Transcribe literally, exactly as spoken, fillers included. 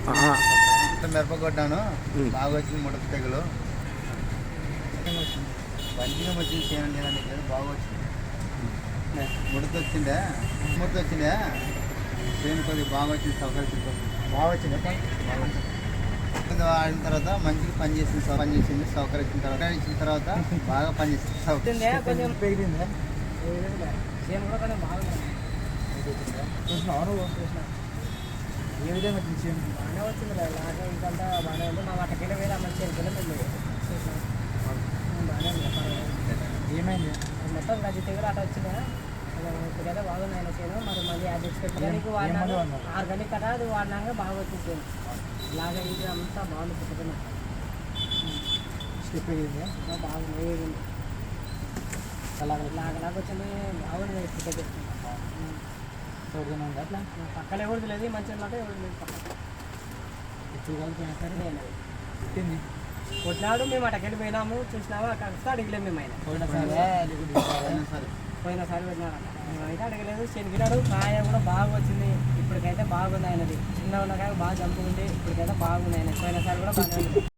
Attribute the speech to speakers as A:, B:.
A: మిరప కొట్టాను, బాగా వచ్చింది ముడత తెగులు. మంచిగా వచ్చింది చేయండి అని బాగా వచ్చింది. ముడత వచ్చిందే ముడత వచ్చిందే చేను కొద్దిగా బాగా వచ్చింది, సౌకర్యం బాగా వచ్చింది. ఆడిన తర్వాత మంచిగా పని చేసింది, పని చేసింది సౌకర్యం ఇచ్చిన తర్వాత ఇచ్చిన తర్వాత బాగా పని చేసింది. సౌకర్యం పెరిగింది. ఏ విధంగా చేను బాగానే వచ్చింది. లాగా ఇంకంతా బాగానే ఉంది. మా వాటకెళ్ళి వేరే అమ్మ చేనుకెళ్ళి మేము బాగానే ఉంది. ఏమైంది మొత్తం గది తెగులు అట్లా వచ్చిందా? ఇప్పుడైతే బాగుంది ఆయన చేను. మరి మళ్ళీ అది ఆర్గానిక్ వాడినాక ఆర్గానిక్ కదా అది వాడినాక బాగా వచ్చింది చేను. లాగా ఇది అంతా బాగుంది. పుట్టుకున్న స్టెప్ వేగింది, బాగుంది వేగింది. అలాగ లాగలాగా వచ్చింది, బాగుంది. పుట్టుకు ఎవరిదైనా ఉంది అట్లా పక్కన ఎవరిది లేదు, మంచిగా మాట ఎవరిది లేదు. పక్కన ఎప్పుడు కలిపినా సరే నేను పుట్టింది కొట్టినాడు. మేము అటకెళ్ళి పోయినాము, చూసినాము, అక్కడ అడిగలేము. మేము ఆయన పోయినసారి పోయినసారి పెట్టినాడు. మేమైతే అడగలేదు. శనిగినాడు కాయ కూడా బాగా వచ్చింది. ఇప్పటికైతే బాగుంది ఆయనది. చిన్న ఉన్న కాయ బాగా జంపు ఉంది. ఇప్పటికైతే బాగుంది ఆయన. పోయినసారి కూడా బాగానే ఉంది.